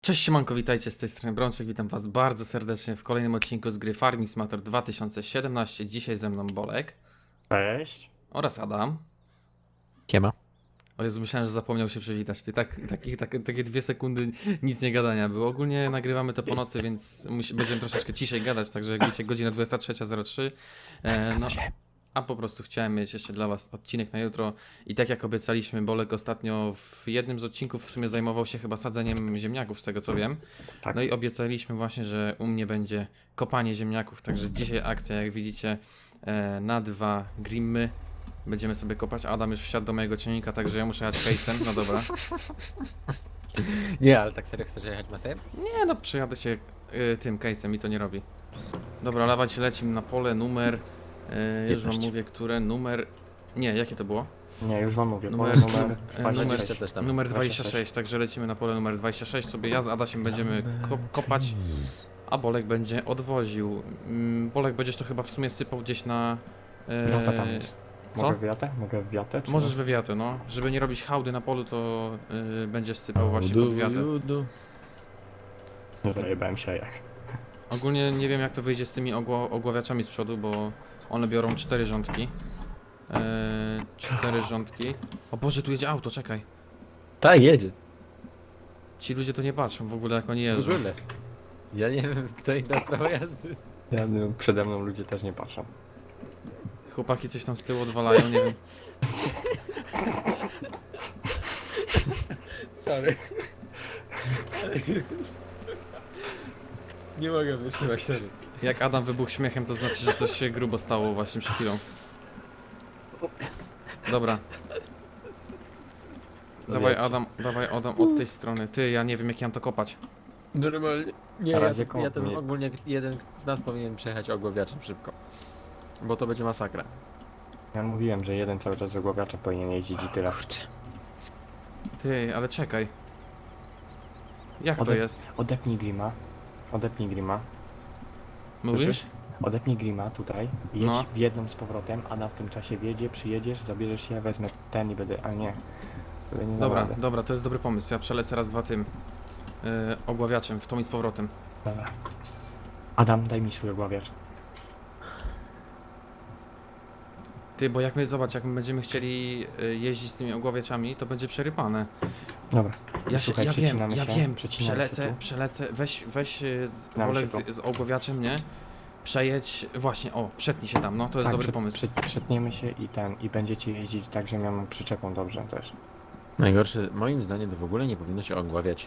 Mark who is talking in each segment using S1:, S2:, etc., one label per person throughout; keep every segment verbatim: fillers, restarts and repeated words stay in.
S1: Cześć siemanko, witajcie z tej strony Brączek, witam was bardzo serdecznie w kolejnym odcinku z gry Farming Simulator dwa tysiące siedemnaście. Dzisiaj ze mną Bolek
S2: Cześć.
S1: oraz Adam.
S3: Siema.
S1: O Jezu, myślałem, że zapomniał się przywitać. Ty tak, taki, tak, takie dwie sekundy nic nie gadania było. Ogólnie nagrywamy to po nocy, więc musi, będziemy troszeczkę ciszej gadać, także jak wiecie, godzina dwudziesta trzecia zero trzy. E, no, a po prostu chciałem mieć jeszcze dla was odcinek na jutro i tak jak obiecaliśmy, Bolek ostatnio w jednym z odcinków w sumie zajmował się chyba sadzeniem ziemniaków, z tego co wiem.
S2: Tak.
S1: No i obiecaliśmy właśnie, że u mnie będzie kopanie ziemniaków, także dzisiaj akcja, jak widzicie, e, na dwa grimmy. Będziemy sobie kopać. Adam już wsiadł do mojego ciągnika, także ja muszę jechać case'em, no dobra.
S3: Nie, ale tak serio chcesz jechać masem?
S1: Nie no, przejadę się y, tym case'em i to nie robi. Dobra, lawać lecimy na pole, numer, y, już wam
S3: piętnaście.
S1: mówię, które, numer, nie, jakie to było?
S2: Nie, już wam mówię.
S1: Numer-
S2: Numer, numer
S1: e,
S2: dwadzieścia
S1: numer-
S2: sześć.
S3: coś tam.
S1: Numer
S2: dwadzieścia
S1: dwadzieścia
S2: sześć.
S1: sześć, także lecimy na pole numer dwadzieścia sześć, sobie ja z Adasiem będziemy ko kopać, a Bolek będzie odwoził. Mm, Bolek będziesz to chyba w sumie sypał gdzieś na... e,
S2: Wiata tam jest.
S1: co?
S2: Mogę wiatę? Mogę wiatę? Czy
S1: Możesz wywiatę, no. Żeby nie robić hałdy na polu, to y, będziesz sypał właśnie pod wiatę.
S2: Nie zajebałem się jak.
S1: Ogólnie nie wiem jak to wyjdzie z tymi ogło ogławiaczami z przodu, bo one biorą cztery rządki. Eee, cztery rządki. O Boże, tu jedzie auto, czekaj.
S3: Tak, jedzie.
S1: Ci ludzie to nie patrzą w ogóle jak oni
S3: W
S1: jeżdżą.
S3: ogóle. Ja nie wiem, kto im dał prawo jazdy.
S2: Ja, no, przede mną ludzie też nie patrzą.
S1: Chłopaki coś tam z tyłu odwalają, nie wiem.
S3: Sorry. Nie mogę wytrzymać, sorry.
S1: Jak Adam wybuchł śmiechem, to znaczy, że coś się grubo stało właśnie przed chwilą. Dobra. Dawaj
S3: Odjedźcie.
S1: Adam, dawaj Adam od tej strony. Ty, ja nie wiem jak ja mam to kopać.
S3: Normalnie. Nie,
S2: Na
S3: ja,
S2: razie
S3: ja ten
S2: kopnij.
S3: ogólnie jeden z nas powinien przejechać ogłowiaczem szybko. Bo to będzie masakra.
S2: Ja mówiłem, że jeden cały czas z ogłowiacza powinien jeździć i tyle.
S3: Kurczę.
S1: Ty, ale czekaj. Jak to
S2: Ode-
S1: jest?
S2: Odepnij grima. Odepnij grima.
S1: Mówisz?
S2: Słyszysz? Odepnij grima tutaj. Jedź
S1: No.
S2: w jedną z powrotem, a na w tym czasie wjedzie, przyjedziesz, zabierzesz się, ja wezmę ten i będę... A nie. Będę nie dał
S1: Dobra,
S2: rady.
S1: dobra, to jest dobry pomysł. Ja przelecę raz, dwa tym yy, ogławiaczem, w tą i z powrotem.
S2: Dobra. Adam, daj mi swój ogławiacz.
S1: Ty, bo jak my, zobacz, jak my będziemy chcieli y, jeździć z tymi ogławiaczami, to będzie przerypane.
S2: Dobra.
S1: Ja, się,
S2: Słuchaj,
S1: ja wiem,
S2: przecinamy
S1: ja
S2: się,
S1: wiem,
S2: przecinamy się
S1: przelecę,
S2: tu.
S1: przelecę, weź, weź y, z,
S2: Przecinamy
S1: Olek
S2: się
S1: z, z ogławiaczem, nie? Przejedź, właśnie, o, przetnij się tam, no, to jest
S2: Tak,
S1: dobry
S2: przed-
S1: pomysł.
S2: przed- Przetniemy się i ten, i będziecie jeździć tak, że miałem przyczepą dobrze też.
S3: Najgorsze, moim zdaniem to w ogóle nie powinno się ogławiać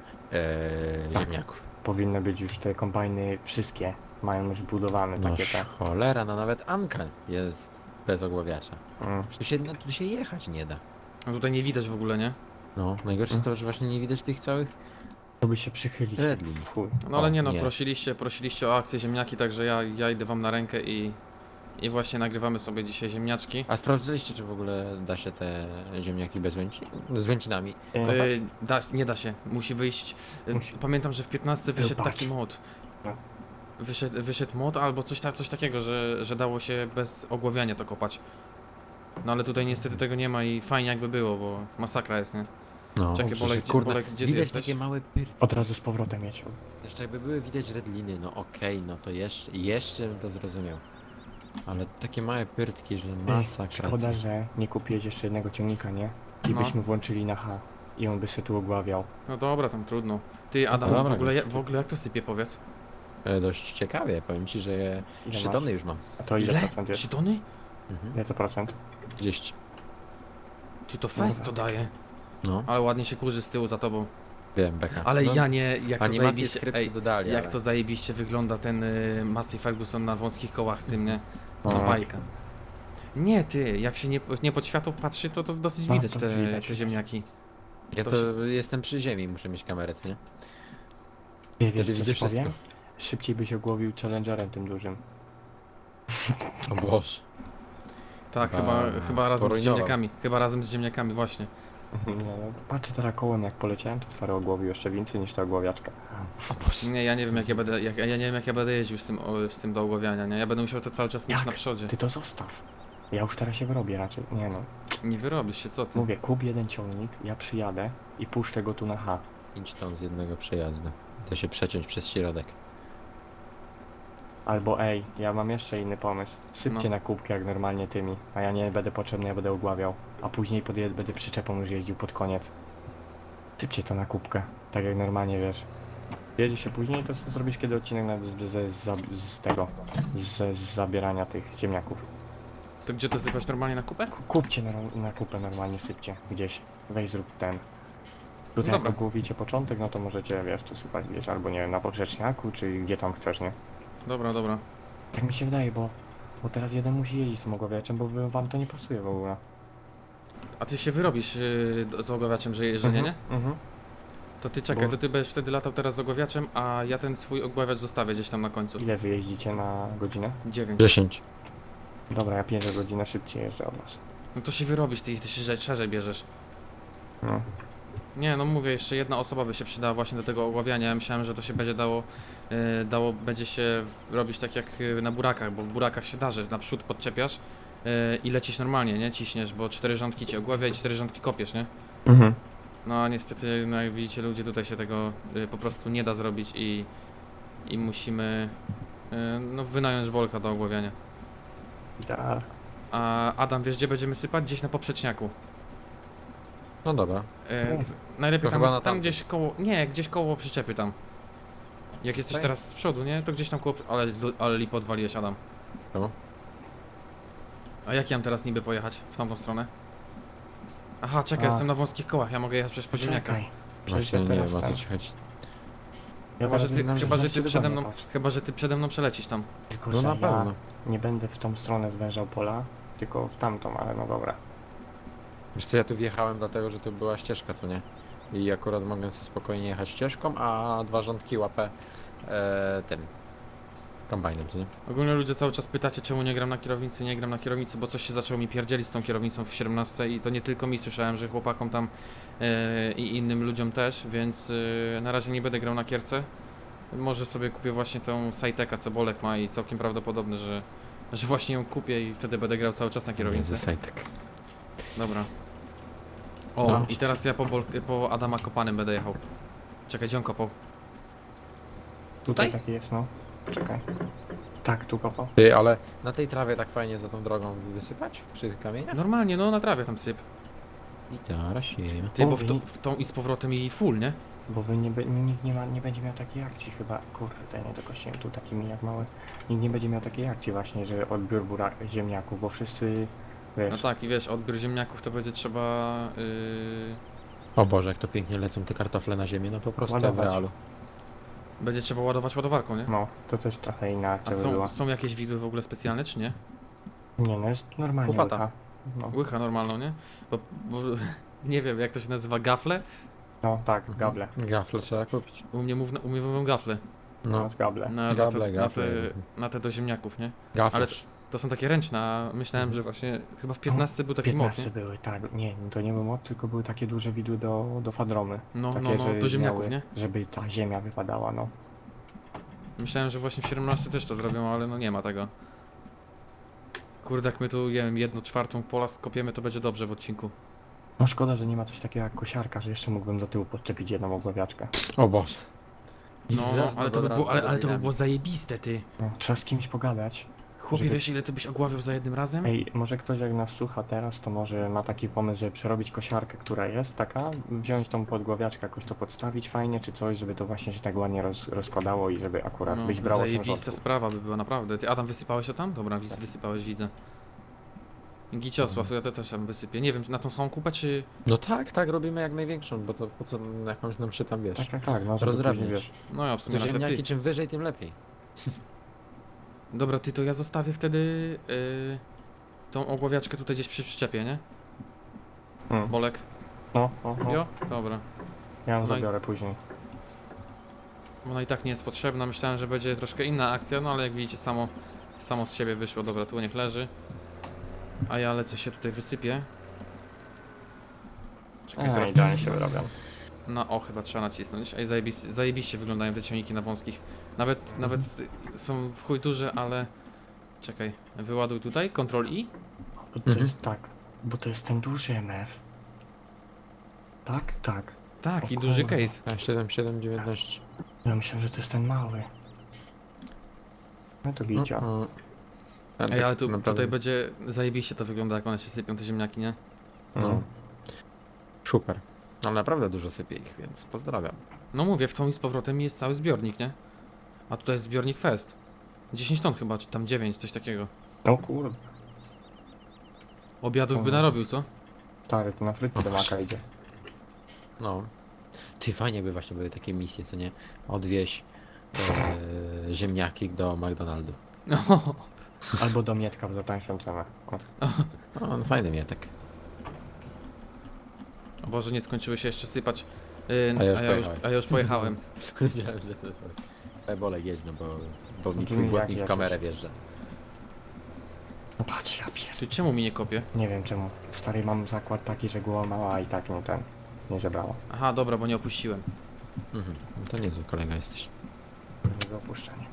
S3: ee,
S2: Tak.
S3: ziemniaków.
S2: Powinny być już te kombajny wszystkie, mają już budowane
S3: No
S2: takie te.
S3: cholera, no nawet Anka jest bez ogławiacza.
S2: Mm.
S3: Tu się, no, tu się jechać nie da.
S1: No tutaj nie widać w ogóle, nie?
S3: No, najgorsze jest to, że właśnie nie widać tych całych...
S2: To by się przychylić.
S3: Redlin.
S2: w chuj.
S1: No ale
S3: O,
S1: nie no,
S3: nie.
S1: prosiliście, prosiliście o akcję ziemniaki, także ja, ja idę wam na rękę i, i właśnie nagrywamy sobie dzisiaj ziemniaczki.
S3: A sprawdziliście, czy w ogóle da się te ziemniaki bez łęci? Z łęcinami?
S2: E,
S1: Yy, da, nie da się, musi wyjść. Yy,
S2: Musi.
S1: Pamiętam, że w piętnastce wyszedł
S2: patrz.
S1: taki mod.
S2: No.
S1: Wyszedł, wyszedł mod albo coś, ta, coś takiego, że, że dało się bez ogławiania to kopać. No ale tutaj niestety tego nie ma i fajnie jakby było, bo masakra jest, nie?
S3: No,
S1: Czekaj,
S3: przecież,
S1: Bolek, gdzie-
S3: kurde,
S1: Bolek, gdzie ty
S3: widać
S1: jesteś?
S3: takie małe pyrki.
S2: Od razu z powrotem jedź.
S3: Jeszcze jakby były widać redliny, no okej, no to jeszcze, jeszcze bym to zrozumiał. Ale takie małe pyrtki, że masakra.
S2: Szkoda, że nie kupiłeś jeszcze jednego ciągnika, nie? I
S1: No.
S2: byśmy włączyli na H. I on by się tu ogławiał.
S1: No dobra, tam trudno. Ty, Adam,
S3: dobra,
S1: w, ogóle,
S3: już.
S1: w ogóle jak to sypie, powiedz?
S3: E, dość ciekawie, powiem ci, że
S2: Ile
S3: trzy
S2: masz?
S3: tony już mam.
S2: A to ile,
S1: Ile?
S2: procent jest?
S1: trzy tony?
S3: Mhm.
S2: Ile to procent?
S3: trzydzieści.
S1: Ty, to fest to
S2: Dobra.
S1: daje.
S3: No,
S1: Ale ładnie się kurzy z tyłu za tobą.
S3: wiem, beka.
S1: Ale
S3: no,
S1: ja nie, jak to
S3: animacje
S1: zajebiście,
S3: skrypty
S1: ej,
S3: dodali,
S1: jak
S3: ale...
S1: to zajebiście wygląda ten y, Massey Ferguson na wąskich kołach z tym, nie? No
S2: No.
S1: bajka. Nie ty, jak się nie, nie pod światło patrzy, to to dosyć
S2: No,
S1: widać
S2: to
S1: te,
S2: widać.
S1: te ziemniaki.
S3: Ja
S1: to
S3: to jestem przy ziemi, muszę mieć kamerę, co nie?
S2: Wie,
S3: Wtedy
S2: wiesz co
S3: widzę
S2: ci powiem?
S3: wszystko.
S2: Szybciej byś ogłowił Challengerem tym dużym.
S3: O Boże.
S1: Tak,
S3: Chyba
S1: chyba, chyba razem z
S3: porujnował.
S1: ziemniakami. Chyba razem z ziemniakami, właśnie.
S2: Nie, no, patrzę teraz kołem jak poleciałem, to stary ogłowił jeszcze więcej niż ta ogłowiaczka.
S3: O Boże.
S1: Nie, ja nie wiem jak ja będę, jak, ja nie wiem jak ja będę jeździł z tym, o, z tym do ogławiania, nie? Ja będę musiał to cały czas mieć
S2: Jak?
S1: na przodzie.
S2: Ty to zostaw. Ja już teraz się wyrobię raczej. Nie no.
S1: Nie wyrobisz się, co ty?
S2: Mówię, kup jeden ciągnik, ja przyjadę i puszczę go tu na H.
S3: inch z jednego przejazdu. To się przeciąć przez środek.
S2: Albo ej, ja mam jeszcze inny pomysł. Sypcie
S1: No.
S2: na kubkę jak normalnie tymi, a ja nie będę potrzebny, ja będę ogławiał. A później podje- będę przyczepą już jeździł pod koniec. Sypcie to na kubkę, tak jak normalnie wiesz. Jedzie się później, to sobie zrobisz kiedy odcinek nawet z, z, z, z tego, z, z zabierania tych ziemniaków.
S1: To gdzie to sypać normalnie na kupę?
S2: Ku- Kupcie na, na kupę normalnie, sypcie gdzieś. Weź zrób ten. Tutaj
S1: Dobra.
S2: jak ogłowicie początek, no to możecie, wiesz, tu sypać gdzieś, albo nie wiem, na poprzeczniaku, czy gdzie tam chcesz, nie?
S1: Dobra, dobra.
S2: Tak mi się wydaje, bo, bo teraz jeden musi jeździć z tym ogławiaczem, bo wy, wam to nie pasuje w ogóle.
S1: A ty się wyrobisz yy, z ogławiaczem, że, że nie, nie?
S2: Mhm.
S1: To ty czekaj,
S2: Bo-
S1: to ty będziesz wtedy latał teraz z ogławiaczem, a ja ten swój ogławiacz zostawię gdzieś tam na końcu.
S2: Ile wy jeździcie na godzinę?
S1: dziewięć.
S3: dziesięć.
S2: Dobra, ja pięć godzinę szybciej jeżdżę od was.
S1: No to się wyrobisz, ty, ty się szerzej, szerzej bierzesz.
S2: No.
S1: Nie, no mówię, jeszcze jedna osoba by się przydała właśnie do tego ogławiania. Ja myślałem, że to się będzie dało, e, dało będzie się w- robić tak jak e, na burakach, bo w burakach się da, że naprzód podczepiasz e, i lecisz normalnie, nie? Ciśniesz, bo cztery rządki cię ogławia i cztery rządki kopiesz, nie?
S2: Mhm.
S1: No a niestety, no jak widzicie, ludzie tutaj się tego e, po prostu nie da zrobić i, i musimy e, no, wynająć bolka do ogławiania.
S2: Ja.
S1: A Adam, wiesz gdzie będziemy sypać? Gdzieś na poprzeczniaku.
S3: No dobra.
S1: E,
S2: Mów.
S1: najlepiej
S3: To
S1: tam,
S3: chyba na
S1: tam
S3: tamtym.
S1: gdzieś koło, nie, gdzieś koło przyczepy tam. Jak jesteś
S3: Tutaj?
S1: teraz z przodu, nie? To gdzieś tam koło, ale, ale lip odwaliłeś, Adam.
S3: Czemu?
S1: A jak ja mam teraz niby pojechać w tamtą stronę? Aha, czekaj,
S2: A.
S1: jestem na wąskich kołach, ja mogę jechać przez poziomniaka.
S2: Poczekaj. Przecież
S3: Właśnie
S2: ja
S3: nie
S2: teraz
S3: wiem o co
S2: ten-
S3: ci chodzi.
S2: Ja
S1: Chyba, że
S2: zaraz
S1: ty,
S2: na-
S1: chyba,
S2: na
S1: że ty
S2: siebie
S1: przede
S2: do
S1: mną,
S2: mnie patrz.
S1: chyba, że ty przede mną przelecisz tam.
S2: Tylko,
S3: No
S2: że
S3: na
S2: ja
S3: pewno.
S2: nie będę w tą stronę zwężał pola, tylko w tamtą, ale no dobra.
S3: Wiesz co, ja tu wjechałem dlatego, że tu była ścieżka, co nie? I akurat mogłem sobie spokojnie jechać ścieżką, a dwa rządki łapę e, tym kombajnem, co nie?
S1: Ogólnie ludzie cały czas pytacie, czemu nie gram na kierownicy, nie gram na kierownicy, bo coś się zaczęło mi pierdzielić z tą kierownicą w siedemnastce i to nie tylko mi, słyszałem, że chłopakom tam e, i innym ludziom też, więc e, na razie nie będę grał na kierce. Może sobie kupię właśnie tą Sajteka, co Bolek ma i całkiem prawdopodobne, że, że właśnie ją kupię i wtedy będę grał cały czas na kierownicy.
S3: Między Sajtek.
S1: Dobra. O,
S2: No.
S1: i teraz ja po, Bol po Adama Kopanym będę jechał. Czekaj, gdzie on kopał?
S2: Tutaj
S1: Tutaj?
S2: taki jest, no. Czekaj. Tak, tu kopał.
S3: Ty, ale na tej trawie tak fajnie za tą drogą wysypać? Przy tych kamieniach?
S1: Normalnie, no na trawie tam syp.
S3: I teraz się.
S1: Ty, bo w,
S2: Mówi.
S1: to, w tą i z powrotem i full, nie?
S2: Bo wy nie, be- nikt nie, ma, nie będzie miał takiej akcji chyba. Kurde, nie dokosiłem tu taki miniak mały. Nikt nie będzie miał takiej akcji właśnie, że odbiór burak, ziemniaków, bo wszyscy, wiesz,
S1: No tak, i wiesz, odbiór ziemniaków to będzie trzeba... Yy...
S3: O Boże, jak to pięknie lecą te kartofle na ziemię, no po prostu w
S2: Ładować.
S3: realu.
S1: Będzie trzeba ładować ładowarką, nie?
S2: no, to też trochę inna
S1: A
S2: akcja by
S1: są,
S2: była.
S1: są jakieś widły w ogóle specjalne, czy nie?
S2: Nie no, jest normalnie
S3: Łopata.
S2: łycha. No,
S1: Łycha normalną, nie? Bo, bo nie wiem, jak to się nazywa, gafle?
S2: no tak, gable.
S3: Gafle trzeba kupić.
S1: U mnie, mów, u mnie mówią gafle.
S2: No,
S3: No,
S2: z gable.
S1: Na,
S3: Gable,
S1: na, te,
S3: gafle.
S1: Na, te, na te do ziemniaków, nie?
S3: gafle.
S1: Ale to są takie ręczne, a myślałem, że właśnie chyba w piętnastce był taki mod,
S2: piętnaście
S1: nie?
S2: były, tak. Nie, to nie był mod, tylko były takie duże widły do, do fadromy.
S1: No,
S2: takie,
S1: no, no,
S2: że
S1: do ziemniaków,
S2: miały-
S1: nie?
S2: Żeby ta ziemia wypadała, no.
S1: Myślałem, że właśnie w siedemnastce też to zrobią, ale no nie ma tego. Kurde, jak my tu, nie wiem, jedną czwartą pola skopiemy, to będzie dobrze w odcinku.
S2: No szkoda, że nie ma coś takiego jak kosiarka, że jeszcze mógłbym do tyłu podczepić jedną ogławiaczkę.
S3: O Boże.
S1: No,
S3: Zaraz
S1: ale to, by
S3: od
S1: było,
S3: razu
S1: ale, ale to by
S3: dominami.
S1: było zajebiste, ty.
S2: No, trzeba z kimś pogadać.
S1: Chłopie,
S2: Żeby-
S1: wiesz ile ty byś ogławiał za jednym razem?
S2: Ej, może ktoś jak nas słucha teraz, to może ma taki pomysł, żeby przerobić kosiarkę, która jest taka, wziąć tą podgławiaczkę, jakoś to podstawić fajnie, czy coś, żeby to właśnie się tak ładnie roz, rozkładało i żeby akurat
S1: No,
S2: byś brał osiem
S1: zajebista
S2: rządków.
S1: sprawa by była, naprawdę. Ty, Adam, wysypałeś to tam? Dobra, wi- wysypałeś, widzę. Giciosław, ja to też tam wysypię. Nie wiem, na tą samą kupę, czy...
S3: No tak, tak, robimy jak największą, bo to po co jakąś nam się tam, wiesz,
S2: Tak, tak, tak, no żeby
S3: rozdrabniać.
S2: później, wiesz.
S1: No ja w sumie
S3: Te
S1: racja,
S3: ziemniaki
S1: ty.
S3: czym wyżej, tym lepiej.
S1: Dobra, ty, to ja zostawię wtedy yy, tą ogłowiaczkę tutaj gdzieś przy przyczepie, nie?
S2: Hmm.
S1: Bolek?
S2: No, no, no.
S1: Jo? Dobra.
S2: Ja ją
S1: No i-
S2: zabiorę później.
S1: Ona i tak nie jest potrzebna, myślałem, że będzie troszkę inna akcja, no ale jak widzicie, samo, samo z siebie wyszło. Dobra, tu niech leży. A ja lecę się tutaj wysypię. Czekaj,
S2: A,
S1: teraz...
S2: idealnie się wyrabiam.
S1: No o, chyba trzeba nacisnąć. Ej, zajebiście, zajebiście wyglądają te ciągniki na wąskich. Nawet,
S2: Mhm.
S1: nawet y, są w chuj duże, ale... Czekaj, wyładuj tutaj, Ctrl I.
S2: Bo to
S3: Mhm.
S2: jest tak, bo to jest ten duży M F. Tak, tak.
S1: Tak,
S2: O
S1: i duży
S2: kurwa.
S1: case.
S3: A siedem siedem dziewiętnaście.
S2: Ja myślałem, że to jest ten mały. No to widział.
S3: Mm. A
S1: Ej,
S3: tak
S1: ale tu,
S3: naprawdę-
S1: tutaj będzie zajebiście to wygląda, jak one się sypią, te ziemniaki, nie?
S3: No.
S2: No.
S3: Super. Ale naprawdę dużo sypie ich, więc pozdrawiam.
S1: No mówię, w tą i z powrotem jest cały zbiornik, nie? A tutaj jest zbiornik Fest. dziesięć ton chyba, czy tam dziewięć, coś takiego.
S2: No kurde.
S1: Obiadów by
S2: Mhm.
S1: narobił, co?
S2: Stary, to na frytki do maka idzie.
S3: No. Ty, fajnie by właśnie były takie misje, co nie? Odwieź e, ziemniaki do McDonaldu.
S1: No,
S2: Albo do Mietka za tańszą cenę. O.
S3: No, no fajny mietek.
S1: o Boże, nie skończyły się jeszcze sypać. Yy,
S3: A ja już
S1: a, ja już,
S3: pojechałem.
S1: a ja już pojechałem.
S3: Wiedziałem, że to... Ej, Bolek jedź, no bo, bo mi
S2: Brzmi
S3: twój
S2: jak
S3: błotnik w
S2: jakiś-
S3: kamerę wjeżdża.
S2: No patrz, ja pier...
S1: Ty czemu mi nie kopie?
S2: Nie wiem czemu. Stary, mam zakład taki, że głowa mała, a i tak nie ten. Nie zebrała.
S1: Aha, dobra, bo nie opuściłem.
S3: Mhm. No to niezły kolega jesteś.
S2: Jego opuszczenie.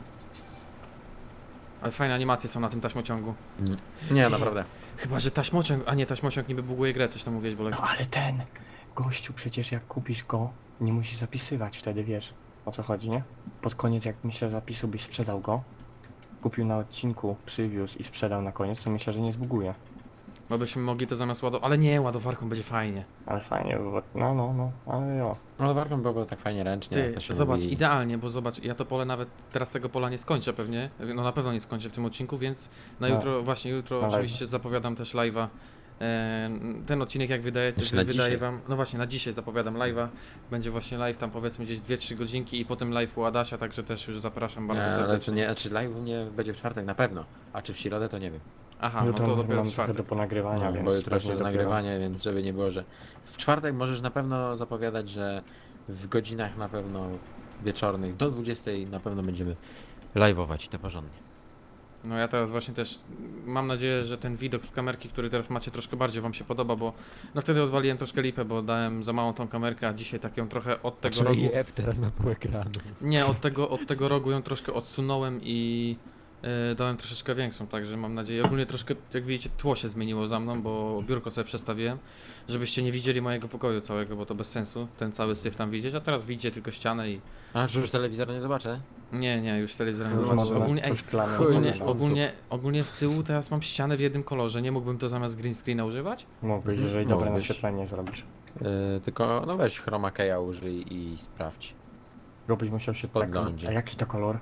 S1: Ale fajne animacje są na tym taśmociągu.
S3: Nie,
S1: Ty.
S3: naprawdę.
S1: Chyba, że taśmociąg, a nie, taśmociąg niby buguje grę, coś tam mówiłeś, Bolek.
S2: No ale ten gościu przecież jak kupisz go, nie musisz zapisywać wtedy, wiesz o co chodzi, nie? Pod koniec jak myślę zapisu byś sprzedał go, kupił na odcinku, przywiózł i sprzedał na koniec, to myślę, że nie zbuguje.
S1: Bo byśmy mogli to zamiast ładować, ale nie, ładowarką będzie fajnie.
S2: Ale fajnie by było. No, no, no, ale jo.
S3: No warką byłoby tak fajnie ręcznie, jak
S1: Ty,
S3: to się
S1: zobacz,
S3: mówi.
S1: idealnie, bo zobacz, ja to pole nawet, teraz tego pola nie skończę pewnie, no na pewno nie skończę w tym odcinku, więc na
S2: No.
S1: jutro, właśnie jutro
S2: Na
S1: oczywiście zapowiadam też live'a. E, Ten odcinek jak wydaje,
S3: Znaczy na
S1: wydaje
S3: dzisiaj.
S1: wam, no właśnie na dzisiaj zapowiadam live'a, będzie właśnie live tam powiedzmy gdzieś dwie trzy godzinki i potem live u Adasia, także też już zapraszam bardzo
S3: Nie, ale czy
S1: serdecznie.
S3: nie, czy live u mnie będzie w czwartek na pewno, a czy w środę to nie wiem.
S1: Aha, no
S2: Jutro
S1: to dopiero
S2: mam
S1: w
S2: trochę
S1: czwartek.
S2: do ponagrywania,
S3: No,
S2: więc...
S3: bo jutro jeszcze
S2: pewnie dopiero-
S3: nagrywanie, więc żeby nie było, że... W czwartek możesz na pewno zapowiadać, że w godzinach na pewno wieczornych do dwudziestej na pewno będziemy live'ować i to porządnie.
S1: No ja teraz właśnie też mam nadzieję, że ten widok z kamerki, który teraz macie, troszkę bardziej wam się podoba, bo no wtedy odwaliłem troszkę lipę, bo dałem za małą tą kamerkę, a dzisiaj tak ją trochę od tego rogu...
S3: app teraz na pół ekranu.
S1: Nie, od tego, od tego rogu ją troszkę odsunąłem i e, dałem troszeczkę większą, także mam nadzieję, ogólnie troszkę, jak widzicie, tło się zmieniło za mną, bo biurko sobie przestawiłem, żebyście nie widzieli mojego pokoju całego, bo to bez sensu, ten cały syf tam widzieć, a teraz widzicie tylko ścianę i...
S3: A, że już telewizora nie zobaczę?
S1: Nie, nie, już telewizor nie
S2: Już
S1: zobaczysz.
S2: może
S1: Ogólnie,
S2: na
S1: ej,
S2: coś szklane
S1: ogólnie,
S2: wygląda.
S1: ogólnie, ogólnie z tyłu teraz mam ścianę w jednym kolorze, nie mógłbym to zamiast green screena używać?
S2: Mógłbyś,
S3: Mhm.
S2: jeżeli dobre
S3: Mógłbyś.
S2: naświetlenie zrobisz.
S3: Yy, tylko no weź chroma keya użyj i sprawdź.
S2: Go byś musiał się tak...
S3: Podglądzie.
S2: A jaki to kolor?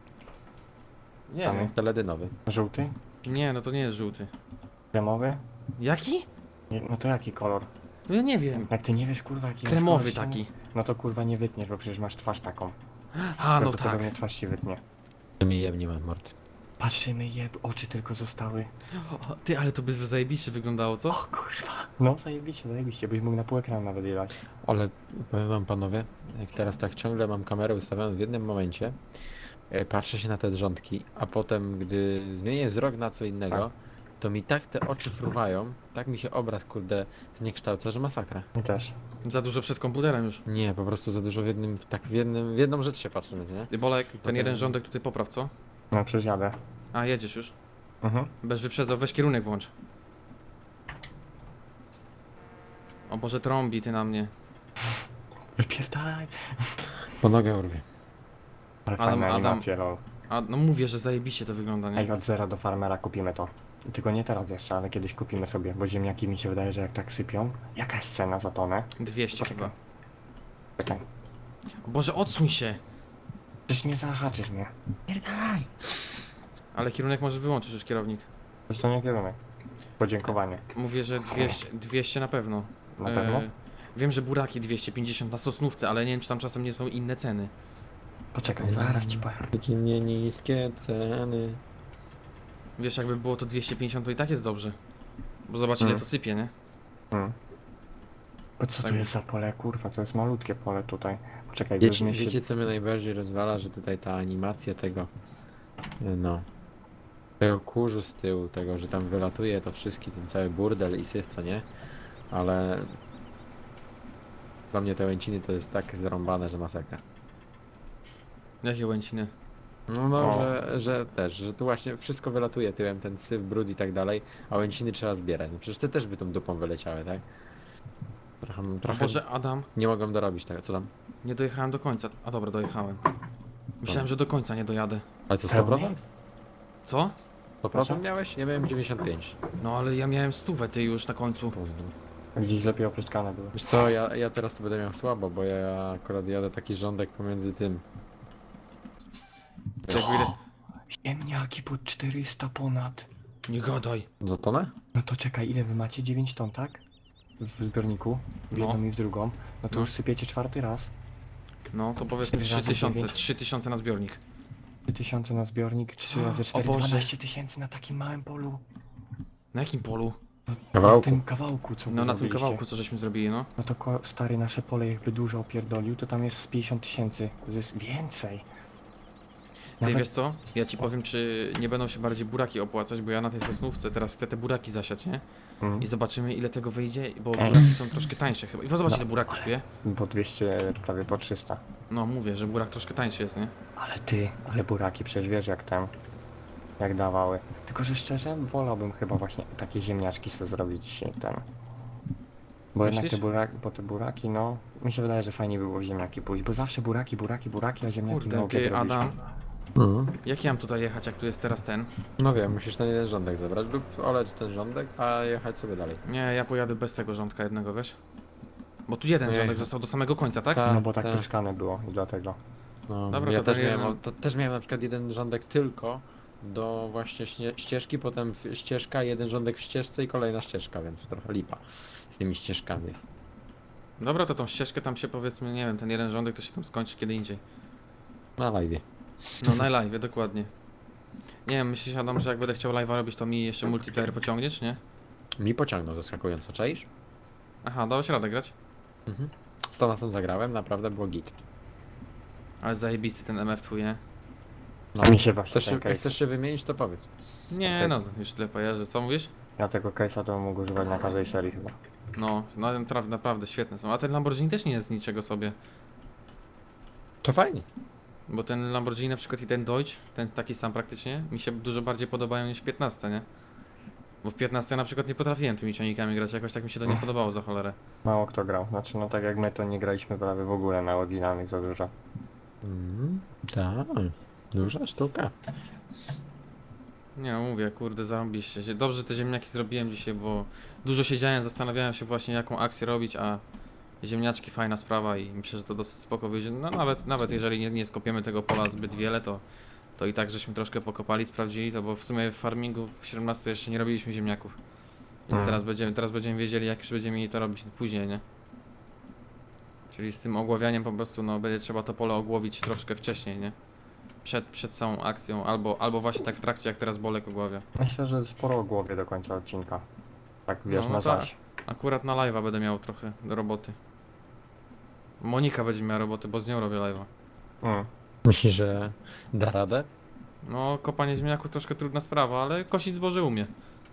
S1: Nie
S2: Tam
S1: wiem.
S3: Teledynowy.
S2: Żółty?
S1: Nie, no to nie jest żółty.
S2: Kremowy?
S1: Jaki?
S2: Nie, no to jaki kolor?
S1: No ja nie wiem.
S2: Jak ty nie wiesz kurwa jaki masz
S1: Kremowy
S2: kolor ściany?
S1: taki.
S2: No to kurwa nie wytniesz, bo przecież masz twarz taką.
S1: A, no tak.
S2: Prawdopodobnie twarz ci wytnie.
S3: Mi jeb nie ma mord.
S2: Patrzymy jeb, oczy tylko zostały.
S1: O, ty, ale to by zajebiście wyglądało, co?
S2: O kurwa. No zajebiście, zajebiście, byś mógł na pół ekranu nawet jechać.
S3: Ale powiem wam panowie, jak teraz tak ciągle mam kamerę ustawioną w jednym momencie, e, patrzę się na te drządki, a potem gdy zmienię wzrok na co innego,
S2: Tak.
S3: to mi tak te oczy fruwają, tak mi się obraz kurde zniekształca, że masakra.
S2: Mi też.
S1: Za dużo przed komputerem już.
S3: Nie, po prostu za dużo w jednym, tak w jednym, w jedną rzecz się patrzymy, nie?
S1: Ty, Bolek, ten
S3: Potem-
S1: jeden rządek tutaj popraw, co?
S2: No przecież jadę.
S1: A, jedziesz już.
S2: Mhm.
S1: Bez wyprzedzał, weź kierunek włącz. O Boże, trąbi ty na mnie.
S2: Wypierdalaj.
S3: Po nogę urwie.
S2: Ale
S1: Adam-
S2: fajne
S1: Adam-
S2: animacje, lol.
S1: A, no mówię, że zajebiście to wygląda, nie?
S2: Ej, od zera do farmera kupimy to. Tylko nie teraz jeszcze, ale kiedyś kupimy sobie, bo ziemniaki mi się wydaje, że jak tak sypią. Jaka jest cena za tonę?
S1: dwieście
S2: Poczekaj.
S1: chyba.
S2: Czekaj.
S1: O Boże, odsuń się!
S2: Przecież nie zahaczysz mnie. Pierdalaj.
S1: Ale kierunek możesz wyłączyć już, kierownik.
S2: Przecież to nie kierunek. Podziękowanie.
S1: Mówię, że dwieście, dwieście na pewno.
S2: Na pewno?
S1: E, wiem, że buraki dwieście pięćdziesiąt na Sosnówce, ale nie wiem, czy tam czasem nie są inne ceny.
S2: Poczekaj, zaraz ci powiem.
S3: Codziennie niskie ceny.
S1: Wiesz, jakby było to dwieście pięćdziesiąt, to i tak jest dobrze. Bo zobacz, ile
S2: Mm.
S1: to sypie, nie?
S2: Hmm. Bo co
S1: Tak.
S2: to jest za pole, kurwa? To jest malutkie pole tutaj. Poczekaj,
S3: Wiecie,
S2: weźmie się...
S3: wiecie co mnie najbardziej rozwala, że tutaj ta animacja tego, no, tego kurzu z tyłu, tego, że tam wylatuje to wszystki, ten cały burdel i syf, co nie? Ale dla mnie te łęciny to jest tak zrąbane, że masakra.
S1: Jakie łęciny?
S3: No, no
S2: O.
S3: że, że też, że tu właśnie wszystko wylatuje tyłem, ten syf, brud i tak dalej, a łęciny trzeba zbierać. No przecież te też by tą dupą wyleciały, tak? trochę,
S1: O
S3: trochę
S1: Boże, Adam,
S3: nie mogłem dorobić tego, co tam?
S1: nie dojechałem do końca. A dobra, dojechałem. Myślałem, że do końca nie dojadę.
S3: Ale co, sto procent?
S1: Co?
S3: sto procent miałeś? Ja miałem dziewięćdziesiąt pięć.
S1: No ale ja miałem stówę ty już na końcu.
S2: Gdzieś lepiej opryskane były.
S3: Wiesz co, ja, ja teraz tu będę miał słabo, bo ja akurat jadę taki rządek pomiędzy tym.
S1: Czekaj, ile...
S2: Ziemniaki po czterysta ponad.
S1: Nie gadaj.
S3: Za tonę?
S2: No to czekaj, ile wy macie? dziewięć ton, tak? W zbiorniku, w
S1: No.
S2: jedną i w drugą. No to
S1: No.
S2: już sypiecie czwarty raz.
S1: No to powiedzmy
S2: Cztery
S1: trzy
S2: razy
S1: tysiące,
S2: dziewięć.
S1: trzy tysiące na zbiornik.
S2: trzy tysiące na zbiornik, trzy razy
S1: O
S2: cztery,
S1: Boże.
S2: dwanaście tysięcy na takim małym polu.
S1: Na jakim polu?
S2: Na
S3: Kawałku.
S2: tym kawałku, co wy
S1: No na tym
S2: zrobiliście.
S1: kawałku, co żeśmy zrobili, no.
S2: No to ko- stary, nasze pole jakby dużo opierdolił, to tam jest z pięćdziesiąt tysięcy. Zysk więcej.
S1: Ty
S2: Nawet-
S1: wiesz co? Ja ci powiem, czy nie będą się bardziej buraki opłacać, bo ja na tej sosnówce teraz chcę te buraki zasiać, nie?
S2: Mm.
S1: I zobaczymy ile tego wyjdzie, bo
S2: Ej.
S1: buraki są troszkę tańsze chyba. I zobacz
S2: No.
S1: ile burak kosztuje.
S2: Po dwieście, prawie po trzysta.
S1: No mówię, że burak troszkę tańszy jest, nie?
S2: Ale ty, ale buraki przecież wiesz jak tam, jak dawały. Tylko, że szczerze wolałbym chyba właśnie takie ziemniaczki sobie zrobić ten. Bo jednak
S1: Myślisz?
S2: te buraki, bo te buraki, no, mi się wydaje, że fajnie było w ziemniaki pójść, bo zawsze buraki, buraki, buraki, a ziemniaki
S1: Kurde,
S2: na obiad
S1: ty
S2: robiliśmy.
S1: Adam,
S3: Mhm.
S1: jak ja mam tutaj jechać, jak tu jest teraz ten?
S3: No wiem, musisz ten jeden rządek zebrać lub oleć ten rządek, a jechać sobie dalej.
S1: Nie, ja pojadę bez tego rządka jednego, wiesz? Bo tu jeden
S3: Nie.
S1: rządek został do samego końca, tak?
S3: Tak.
S2: No bo tak
S3: tak.
S2: pryskane było i dlatego.
S3: No,
S1: Dobra,
S3: ja
S1: to
S3: też
S1: ten
S3: miałem,
S1: jeden-
S3: to też miałem na przykład jeden rządek tylko do właśnie śnie, ścieżki, potem w- ścieżka, jeden rządek w ścieżce i kolejna ścieżka, więc trochę lipa z tymi ścieżkami jest.
S1: Dobra, to tą ścieżkę tam się powiedzmy, nie wiem, ten jeden rządek to się tam skończy kiedy indziej.
S3: Na live.
S1: No na live, dokładnie. Nie wiem, myślisz Adam, że jak będę chciał live'a robić, to mi jeszcze multiplayer pociągniesz, nie?
S3: Mi pociągnął zaskakująco, czaisz?
S1: Aha, dałeś radę grać?
S3: Mhm. Z Tonasem zagrałem, naprawdę było git.
S1: Ale zajebisty ten M F twój, nie?
S3: No,
S2: Mi się właśnie
S3: chcesz,
S2: ten
S3: się,
S2: case,
S3: jak chcesz się wymienić, to powiedz.
S1: Nie no, już tyle pojeżdżę. Co mówisz?
S2: ja tego case'a to mógł używać na każdej serii chyba.
S1: No, no naprawdę, naprawdę świetne są. A ten Lamborghini też nie jest z niczego sobie.
S3: To fajnie.
S1: Bo ten Lamborghini na przykład i ten Deutsch, ten taki sam praktycznie, mi się dużo bardziej podobają niż w piętnastce, nie? Bo w piętnastce na przykład nie potrafiłem tymi ciągnikami grać, jakoś tak mi się to nie podobało za cholerę.
S2: Mało kto grał, znaczy no tak jak my to nie graliśmy prawie w ogóle na oryginalnych za dużo.
S3: Mhm. Tak, duża sztuka.
S1: Nie no, mówię, kurde, zarąbiście. się. Dobrze te ziemniaki zrobiłem dzisiaj, bo dużo siedziałem, zastanawiałem się właśnie jaką akcję robić, a ziemniaczki fajna sprawa i myślę, że to dosyć spoko wyjdzie. No nawet, nawet jeżeli nie, nie skopiemy tego pola zbyt wiele, to, to i tak żeśmy troszkę pokopali, sprawdzili to, bo w sumie w farmingu w siedemnastce jeszcze nie robiliśmy ziemniaków. Więc
S2: Mhm.
S1: teraz będziemy, teraz będziemy wiedzieli, jak już będziemy mieli to robić później, nie? Czyli z tym ogławianiem po prostu, no będzie trzeba to pole ogłowić troszkę wcześniej, nie? Przed, przed całą akcją, albo, albo właśnie tak w trakcie, jak teraz Bolek ogławia.
S2: Myślę, że sporo o głowie do końca odcinka. Tak wiesz,
S1: No,
S2: na
S1: tak.
S2: zaś.
S1: Akurat na live'a będę miał trochę roboty. Monika będzie miała roboty, bo z nią robię live'a.
S2: Mm.
S3: Myślisz, że da radę?
S1: No, kopanie ziemniaku troszkę trudna sprawa, ale kosić zboże umie.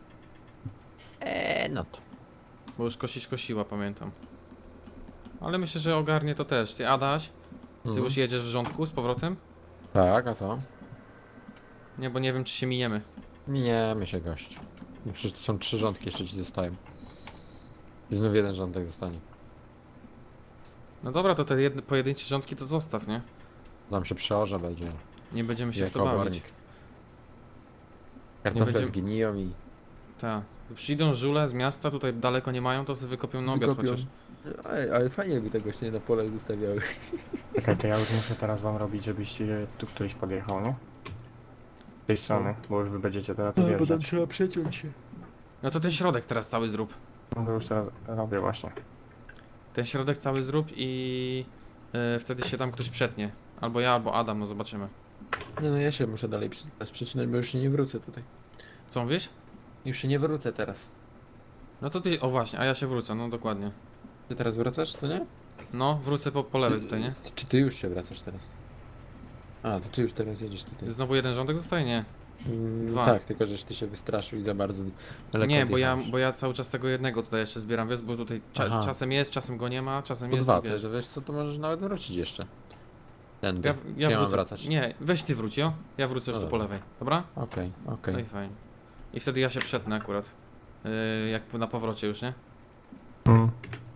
S3: Eee, no to.
S1: Bo już kosić kosiła, pamiętam. Ale myślę, że ogarnie to też. Ty, Adaś, ty
S3: Mhm.
S1: już jedziesz w rządku z powrotem?
S3: Tak, a co?
S1: Nie, bo nie wiem, czy się miniemy.
S3: Miniemy się, gościu. No przecież to są trzy rządki jeszcze ci zostają. I znów jeden rządek zostanie.
S1: No dobra, to te jedne, pojedyncze rządki to zostaw, nie?
S3: Tam się przeorze będzie.
S1: Nie będziemy się w to
S3: Jako
S1: bawić.
S3: obornik. Kartofle
S1: będzie-
S3: zgniją i...
S1: Tak. Przyjdą żule z miasta, tutaj daleko nie mają, to sobie wykopią na obiad
S3: Wykopią.
S1: chociaż.
S3: Ale, ale fajnie jakby tego nie na pole zostawiały.
S2: Czekaj, to ja już muszę teraz wam robić, żebyście tu któryś podjechał, nie? Z tej strony, bo już wy będziecie teraz tu wjeżdżać.
S3: trzeba przeciąć się.
S1: No to ten środek teraz cały zrób.
S2: No to już teraz robię właśnie.
S1: Ten środek cały zrób i yy, wtedy się tam ktoś przetnie. Albo ja, albo Adam, no zobaczymy.
S3: Nie no ja się muszę dalej przy- przecinać, bo już się nie wrócę tutaj.
S1: Co mówisz?
S3: Już się nie wrócę teraz.
S1: No to ty, o właśnie, a ja się wrócę, no dokładnie.
S3: Ty teraz wracasz, co nie?
S1: No, wrócę po, po lewej tutaj, nie?
S3: Czy ty już się wracasz teraz? A, to ty już teraz jedziesz tutaj.
S1: Znowu jeden rządek zostaje? Nie.
S3: Mm,
S1: dwa.
S3: Tak, tylko żeś ty się wystraszył i za bardzo daleko
S1: Nie, bo ja,
S3: odjechałeś.
S1: bo ja cały czas tego jednego tutaj jeszcze zbieram, wiesz, bo tutaj cza
S3: Aha.
S1: czasem jest, czasem go nie ma, czasem
S3: To
S1: jest,
S3: dwa,
S1: wiesz.
S3: to wiesz co, to możesz nawet wrócić jeszcze. Ten,
S1: Ja,
S3: Czy
S1: ja
S3: ja mam
S1: wrócę.
S3: wracać?
S1: Nie, weź ty wróć, jo? Ja wrócę już
S3: No
S1: tu po
S3: dobra.
S1: lewej, dobra?
S3: Okej, okej.
S1: No i fajnie. I wtedy ja się przetnę akurat. Yy, jak na powrocie już, nie?
S2: Mm.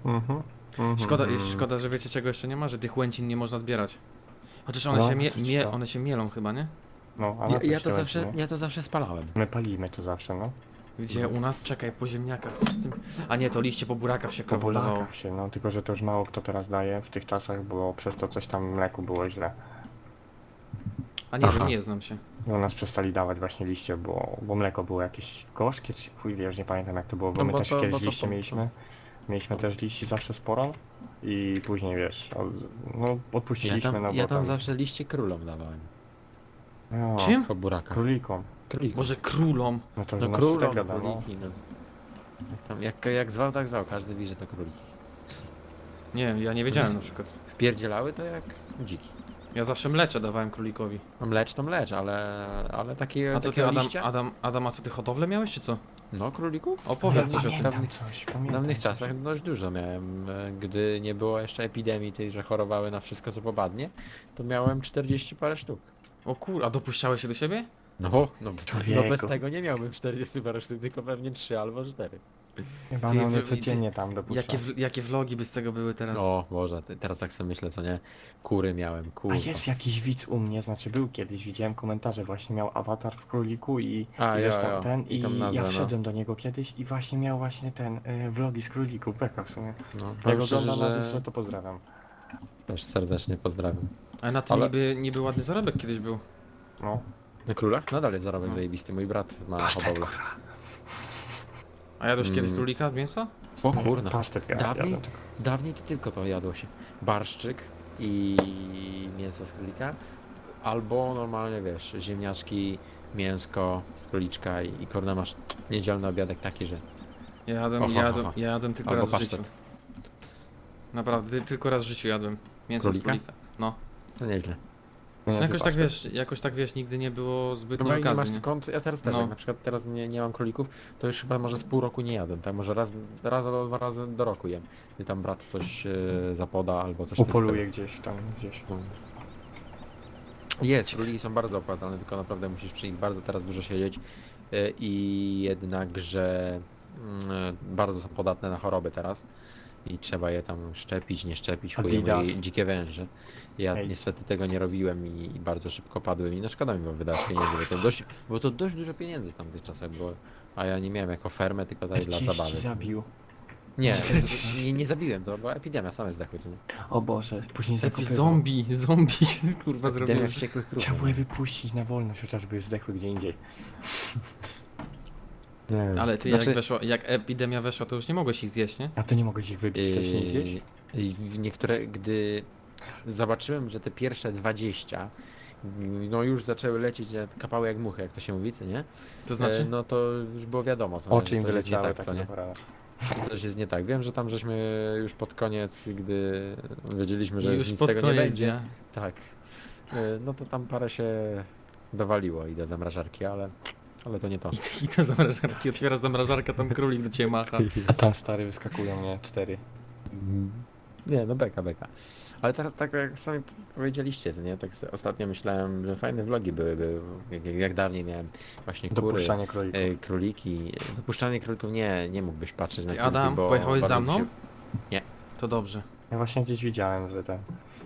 S2: Mhm. mhm,
S1: Szkoda,
S2: mhm.
S1: szkoda, że wiecie czego jeszcze nie ma, że tych łęcin nie można zbierać. Chociaż one
S2: No,
S1: się mie,
S2: coś
S1: mie,
S2: to.
S1: one się mielą chyba, nie?
S2: No, a na
S3: Ja,
S2: coś
S3: ja, to
S2: te
S3: zawsze,
S2: łęciny?
S3: ja to zawsze spalałem.
S2: My palimy to zawsze, no.
S1: Gdzie u nas, czekaj, po ziemniakach, coś z tym. A nie, to liście po burakach się
S2: Po
S1: krowy dawało.
S2: Polakach się, no tylko że to już mało kto teraz daje w tych czasach, bo przez to coś tam mleku było źle.
S1: A nie
S3: Aha.
S1: wiem, nie znam się.
S2: I u nas przestali dawać właśnie liście, bo, bo mleko było jakieś gorzkie, czy chuj wie, już nie pamiętam jak to było, bo
S3: No
S2: my
S3: bo
S2: też
S3: to-
S2: kiedyś
S3: bo to-
S2: liście
S3: to-
S2: mieliśmy. Mieliśmy też liści zawsze sporo i później wiesz, od, no
S3: Ja
S2: odpuściliśmy,
S3: tam,
S2: no bo
S3: ja tam
S2: tam...
S3: zawsze liście królom dawałem.
S2: No,
S1: Czym?
S3: Po burakach.
S2: Królikom.
S3: Królikom.
S1: Może królom.
S2: No to
S3: No
S2: nasz
S3: królom,
S2: tak gada, no.
S3: króliki, no. Jak, tam, jak, jak zwał, tak zwał. Każdy wie, że to króliki.
S1: Nie, ja nie wiedziałem na przykład.
S3: Wpierdzielały to jak dziki.
S1: Ja zawsze mlecze dawałem królikowi.
S3: No mlecz to mlecz, ale, ale takie,
S1: A co ty,
S3: takiego
S1: Adam,
S3: liścia?
S1: Adam, Adam, a co ty hodowlę miałeś, czy co?
S3: No królików?
S1: Opowiedz coś o tym.
S2: pamiętam
S3: Dawnych-
S2: coś,
S3: W
S2: pamiętam
S3: dawnych
S2: coś.
S3: czasach dość dużo miałem. e, Gdy nie było jeszcze epidemii tej, że chorowały na wszystko co popadnie, to miałem czterdzieści parę sztuk.
S1: O kur, a dopuszczałeś się do siebie?
S3: No, no, no
S2: Człowieku.
S3: bez tego nie miałbym czterdzieści parę sztuk, tylko pewnie trzy albo cztery.
S2: Chyba
S1: Ty,
S2: no,
S1: wy-
S2: one codziennie tam dopuszczam.
S1: Jakie, w- jakie vlogi by z tego były teraz?
S3: O Boże, te- teraz tak sobie myślę, co nie? Kury miałem,
S2: A
S3: kurwa.
S2: jest jakiś widz u mnie, znaczy był kiedyś, widziałem komentarze, właśnie miał awatar w króliku i,
S3: A,
S2: i
S3: jo,
S2: wiesz tam
S3: jo.
S2: ten
S3: I
S2: i
S3: tam nazwę,
S2: ja
S3: no.
S2: wszedłem do niego kiedyś i właśnie miał właśnie ten y, vlogi z królików, beka w sumie.
S3: No,
S2: Jak
S3: powiem szczerze,
S2: oglądam nas
S3: że
S2: jeszcze, to pozdrawiam.
S3: też serdecznie pozdrawiam.
S1: Ale na tym
S3: Ale-
S1: niby, niby ładny zarobek kiedyś był.
S2: No.
S3: Na królach? Nadal jest zarobek
S1: No.
S3: zajebisty, mój brat ma
S2: Pasztet,
S3: hodowlę.
S1: A jadłeś kiedyś
S3: Mm.
S1: królika, mięso?
S3: O kurna.
S2: Pasztet ja
S3: Dawniej,
S2: jadłem tylko.
S3: dawniej to tylko to jadło się. Barszczyk i mięso z królika. Albo normalnie wiesz, ziemniaczki, mięsko, króliczka i, i korna masz niedzielny obiadek taki, że...
S1: Ja jadłem,
S3: Oho,
S1: ja jadłem,
S3: oho.
S1: ja jadłem tylko
S3: Albo
S1: raz w
S3: pasztet.
S1: życiu. Naprawdę, ty- tylko raz w życiu jadłem. Mięso
S3: Królika?
S1: z królika. No.
S3: To nieźle.
S2: Nie,
S1: no
S2: ty
S1: jakoś tak
S2: pasztet.
S1: wiesz, jakoś tak wiesz, nigdy nie było zbytnio
S3: Chyba nie masz
S1: okazji. Nie?
S3: skąd, ja teraz też,
S1: No.
S3: jak na przykład teraz nie, nie mam królików, to już chyba może z pół roku nie jadłem, tak? Może raz, raz albo dwa razy do roku jem. I tam brat coś e, zapoda albo coś w tym
S2: Upoluje gdzieś tam, gdzieś.
S3: stylu. Jest, króliki są bardzo opłacalne, tylko naprawdę musisz przy nich bardzo teraz dużo siedzieć e, i jednakże mm, e, bardzo są podatne na choroby teraz i trzeba je tam szczepić, nie szczepić, chuje
S2: Adidas.
S3: moje dzikie węże. Ja
S2: Ej.
S3: niestety tego nie robiłem i, i bardzo szybko padły mi, no szkoda mi było wydać pieniędzy, bo to dość, bo to dość dużo pieniędzy w tamtych czasach było, a ja nie miałem jako fermę, tylko tutaj dla
S2: Gdzieś
S3: zabawy.
S2: ci zabił.
S3: Nie, nie, nie zabiłem, to była epidemia, same zdechły. co nie?
S2: O Boże, później
S1: Jakiś
S2: zakopywał.
S1: zombie, zombie się kurwa
S3: Epidemia
S1: zrobił.
S3: wściekłych krów.
S2: Trzeba było je wypuścić na wolność, chociażby zdechły gdzie indziej. Nie wiem.
S1: Ale ty
S3: Znaczy-
S1: jak weszła, jak epidemia weszła, to już nie mogłeś ich zjeść, nie?
S2: A to nie mogłeś ich wybić wcześniej zjeść?
S3: Yy, i w niektóre, gdy zobaczyłem, że te pierwsze dwadzieścia no już zaczęły lecieć, jak- kapały jak muchy, jak to się mówi, co nie?
S1: To znaczy?
S3: E, no to już było wiadomo, co,
S2: Oczy
S3: nie,
S2: im
S3: że coś jest nie
S2: wyleciały
S3: tak,
S2: tak
S3: co nie?
S2: naprawdę.
S3: Coś jest nie tak. Wiem, że tam żeśmy już pod koniec, gdy wiedzieliśmy, że
S1: już
S3: nic
S1: pod
S3: tego
S1: koniec
S3: nie będzie.
S1: dnia.
S3: Tak. E, No to tam parę się dowaliło i do zamrażarki, ale, ale to nie to.
S1: I, I te zamrażarki, otwiera zamrażarka, tam królik do ciebie macha.
S2: A tam stary wyskakują, nie? Cztery.
S3: Nie, no beka, beka. Ale teraz tak jak sami powiedzieliście, co nie? Tak sobie ostatnio myślałem, że fajne vlogi byłyby, jak, jak, jak dawniej miałem właśnie kury,
S2: Dopuszczanie królików.
S3: e, króliki. Dopuszczanie królików nie, nie mógłbyś patrzeć na
S1: Ty,
S3: króliki,
S1: Adam,
S3: bo
S1: pojechałeś
S3: bardzo
S1: za
S3: mi
S1: mną?
S3: się-
S1: To dobrze.
S2: Ja właśnie gdzieś widziałem, że ten...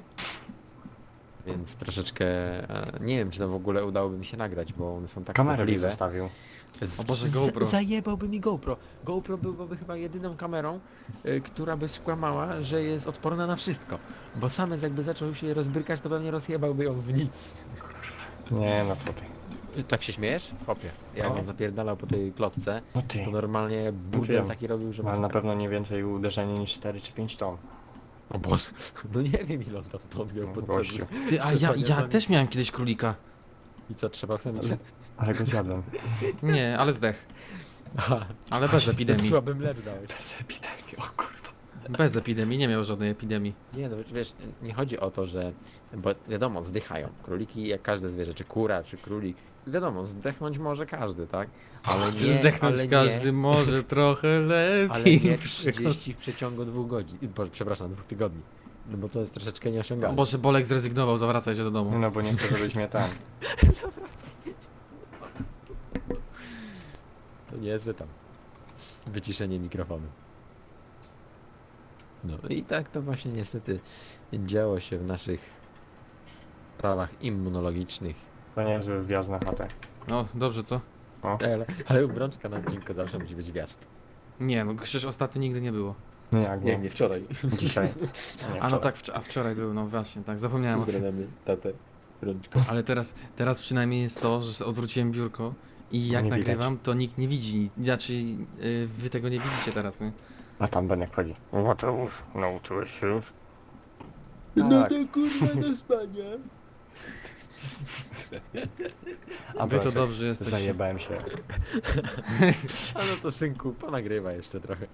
S3: Więc troszeczkę, e, nie wiem czy to w ogóle udałoby mi się nagrać, bo one są tak
S2: Kamerę mi
S3: płochliwe.
S2: zostawił.
S1: O Boże,
S3: Z-
S1: GoPro.
S3: Zajebałby mi GoPro. GoPro byłoby chyba jedyną kamerą, y, która by skłamała, że jest odporna na wszystko. Bo Samec jakby zaczął się rozbrykać, to pewnie rozjebałby ją w nic.
S2: Nie, no co ty.
S3: Y, Tak się śmiejesz? Opie. Jak
S2: No.
S3: on zapierdalał po tej klotce,
S2: No ty.
S3: to normalnie burdel
S2: Wiem.
S3: taki robił, że
S2: Ale na
S3: masakra.
S2: pewno nie więcej uderzenie niż cztery czy pięć ton.
S3: O Boże, no nie wiem ile on tam to miał
S2: No,
S3: podczas...
S2: gościu.
S1: Ty, a ja, ja też miałem kiedyś królika.
S3: I co, trzeba sobie...
S2: Ale go zjadłem.
S1: Nie, ale zdech.
S3: Aha,
S1: Ale bez epidemii.
S3: słaby mlecz dałeś.
S2: Bez epidemii, o kurwa.
S1: Bez epidemii, nie miał żadnej epidemii.
S3: Nie no wiesz, nie chodzi o to, że... Bo wiadomo, zdychają. Króliki jak każde zwierzę, czy kura, czy królik. Wiadomo, zdechnąć może każdy, tak? Ale nie,
S1: Zdechnąć
S3: ale
S1: każdy
S3: nie,
S1: może trochę lepiej.
S3: ale nie trzydzieści w przeciągu dwóch godzin. Boże, przepraszam, dwóch tygodni. No bo to jest troszeczkę
S1: O
S3: nieosiągalne.
S1: Boże, Bolek zrezygnował, zawracaj się do domu.
S2: No bo nie chcę, żebyś mnie tam.
S3: To niezłe tam. Wyciszenie mikrofonu. No i tak to właśnie niestety działo się w naszych sprawach immunologicznych.
S2: To niezły wjazd na chatę.
S1: No, dobrze, co?
S3: Ale, ale u Brączka na odcinku zawsze musi być wjazd.
S1: Nie, no przecież ostatnio nigdy nie było.
S2: Nie, jak nie.
S3: nie wczoraj.
S2: Dzisiaj. Nie,
S1: A no
S2: wczoraj.
S1: tak, wcz- a wczoraj był, no właśnie, tak, zapomniałem o tym.
S3: Pozdrawiamy tatę Brączka.
S1: Ale teraz, teraz przynajmniej jest to, że odwróciłem biurko i jak
S2: Nie widać.
S1: nagrywam, to nikt nie widzi. Znaczy, yy, wy tego nie widzicie teraz, nie?
S2: A tam Benek chodzi. Mateusz, nauczyłeś się już?
S3: No
S2: Tak.
S3: to kurwa do spania.
S2: A
S1: Wy to
S2: Brączek,
S1: dobrze jesteście.
S2: Zajebałem się.
S3: A no to synku, ponagrywa jeszcze trochę.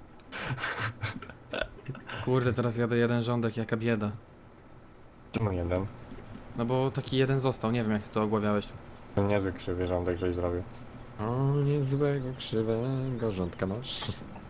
S1: Kurde, teraz jadę jeden rządek, jaka bieda.
S2: Czemu jeden?
S1: No bo taki jeden został, nie wiem jak ty to ogławiałeś.
S2: To niezły krzywy rządek, żeś zrobił.
S3: O, niezłego, krzywego rządka masz.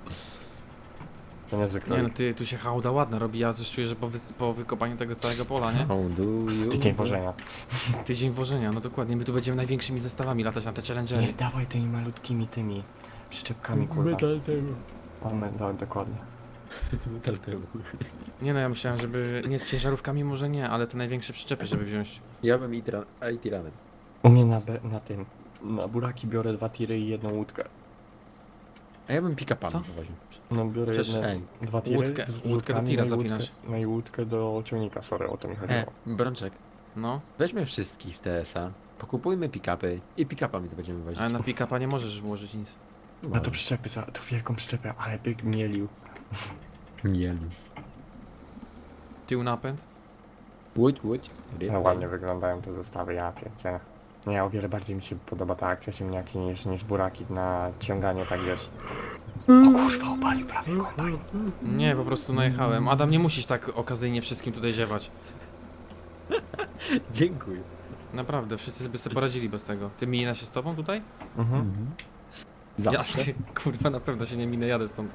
S2: To niezły
S1: Nie
S2: kroj.
S1: no, ty, tu się hałda ładna robi, ja coś czuję, że po, wy- po wykopaniu tego całego pola, nie?
S3: How do you...
S2: Tydzień wożenia.
S1: Tydzień wożenia, no dokładnie, my tu będziemy największymi zestawami latać na te
S2: Nie
S1: challengery.
S2: dawaj tymi malutkimi tymi przyczepkami, kurwa.
S3: Metal temu.
S2: Mamy, do, dokładnie.
S3: Metal temu.
S1: Nie no, ja myślałem, żeby, nie, ciężarówkami może nie, ale te największe przyczepy, żeby wziąć.
S3: Ja bym i tira- i tiranem.
S2: U mnie na, be, na tym, na buraki biorę dwa tiry i jedną łódkę.
S3: A ja bym pick-upami
S1: Co?
S3: powoził.
S2: No biorę
S1: Przecież,
S2: jedne,
S3: ej,
S2: dwa tiry
S1: łódkę-
S2: z
S1: łódkę do
S2: wódkami,
S1: tira
S2: no i łódkę-
S1: zapinasz.
S2: No i łódkę do ciągnika, sorry, o to mi chodziło.
S3: E, Brączek,
S1: No,
S3: weźmy wszystkich z T S a, pokupujmy pick-upy i pick-upami to będziemy wozić.
S1: ale na pick-upa nie możesz włożyć nic.
S2: No to przyczepy, za, to wielką przyczepę, ale byk mielił.
S3: Mieli.
S1: Tył napęd?
S3: Łódź, łódź.
S2: No ładnie wyglądają te zestawy, ja pierdzielę. No ja o wiele bardziej mi się podoba ta akcja ziemniaki niż, niż buraki na ciąganie, tak wiesz. O kurwa, opalił prawie kombajn.
S1: Nie, po prostu najechałem. Adam, nie musisz tak okazyjnie wszystkim tutaj ziewać.
S3: Dziękuję.
S1: Naprawdę, wszyscy by sobie poradzili bez tego. Ty mina się z tobą tutaj?
S2: Mhm.
S3: Zawsze.
S1: Jasny, kurwa, na pewno się nie minę, jadę stąd.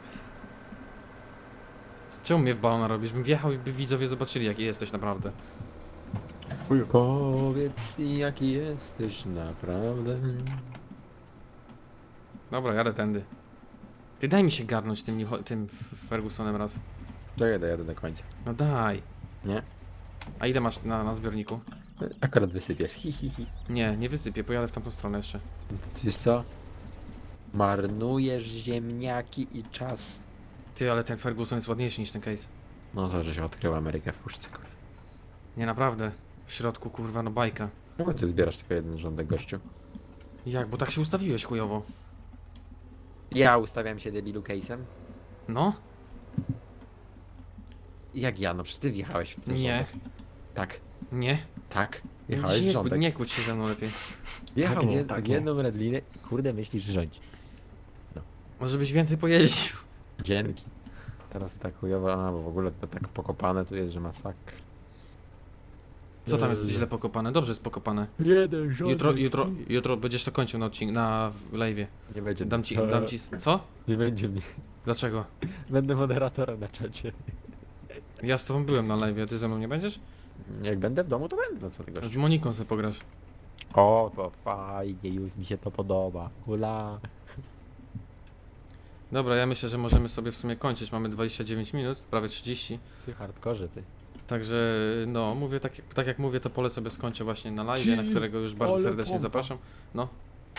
S1: Czemu mnie w balona robisz? Bym wjechał i by widzowie zobaczyli, jaki jesteś naprawdę.
S3: Powiedz jaki jesteś naprawdę.
S1: Dobra, jadę tędy. Ty daj mi się garnąć tym, New- tym Fergusonem raz.
S3: Czekaj, dojadę do końca.
S1: No daj.
S3: Nie?
S1: A ile masz na, na zbiorniku?
S3: Akurat wysypiesz. Hi, hi, hi.
S1: Nie, nie wysypię, pojadę w tamtą stronę jeszcze.
S3: No to wiesz co? Marnujesz ziemniaki i czas.
S1: Ty, ale ten Ferguson jest ładniejszy niż ten case.
S3: No to, że się odkrył Amerykę w puszce, kurwa.
S1: Nie, naprawdę. W środku, kurwa, no bajka.
S3: Czemu ty zbierasz tylko jeden rządek, gościu?
S1: Jak, bo tak się ustawiłeś chujowo.
S3: Ja ustawiam się debilu case'em.
S1: No?
S3: Jak ja? No przecież ty wjechałeś w ten
S1: Nie.
S3: rządek. Tak,
S1: Nie?
S3: tak. Wjechałeś w
S1: Nie,
S3: rządek.
S1: nie kłóć się ze mną lepiej.
S3: Wjechał
S2: Tak nie,
S3: jed
S2: tak nie.
S3: jedną redlinę i kurde myślisz, że rządzi.
S1: Może byś więcej pojeździł.
S3: Dzięki. Teraz tak chujowo, a bo w ogóle to tak pokopane tu jest, że masakr.
S1: Co tam jest źle pokopane? Dobrze jest pokopane.
S3: Jeden rządek.
S1: Jutro, jutro, jutro będziesz to kończył na odcinku, na live'ie.
S3: Nie będzie.
S1: Dam ci, dam ci... Co?
S3: Nie będzie mnie.
S1: Dlaczego?
S3: Będę moderatorem na czacie.
S1: Ja z tobą byłem na live'ie, a ty ze mną nie będziesz?
S3: Jak będę w domu, to będę. No co ty
S1: Z
S3: gościu?
S1: Moniką sobie pograsz.
S3: O, to fajnie, już mi się to podoba. Hula.
S1: Dobra, ja myślę, że możemy sobie w sumie kończyć. Mamy dwadzieścia dziewięć minut, prawie trzydzieści.
S3: Ty hardkorze, ty.
S1: Także no, mówię tak, jak- tak jak mówię, to pole sobie skończę właśnie na live, na którego już bardzo
S3: ale
S1: serdecznie
S3: pompa.
S1: zapraszam. No.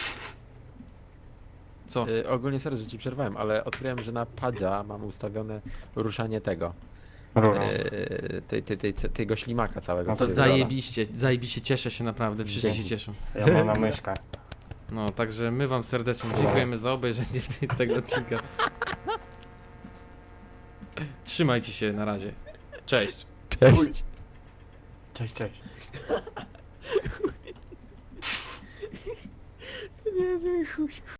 S1: Co?
S3: Y, ogólnie sorry, że ci przerwałem, ale odkryłem, że na pada mam ustawione ruszanie tego.
S2: Rurą.
S3: Y, tej, tej, tej, tego ślimaka całego.
S2: No to
S3: co jest
S1: Zajebiście, zajebiście, cieszę się naprawdę, wszyscy się
S3: Dzięki.
S1: cieszą.
S2: Ja mam na myszkę.
S1: No, także my wam serdecznie dziękujemy za obejrzenie tej- tego odcinka. Trzymajcie się, na razie. Cześć.
S3: Cześć.
S2: Cześć, cześć.
S3: Niezły chuj.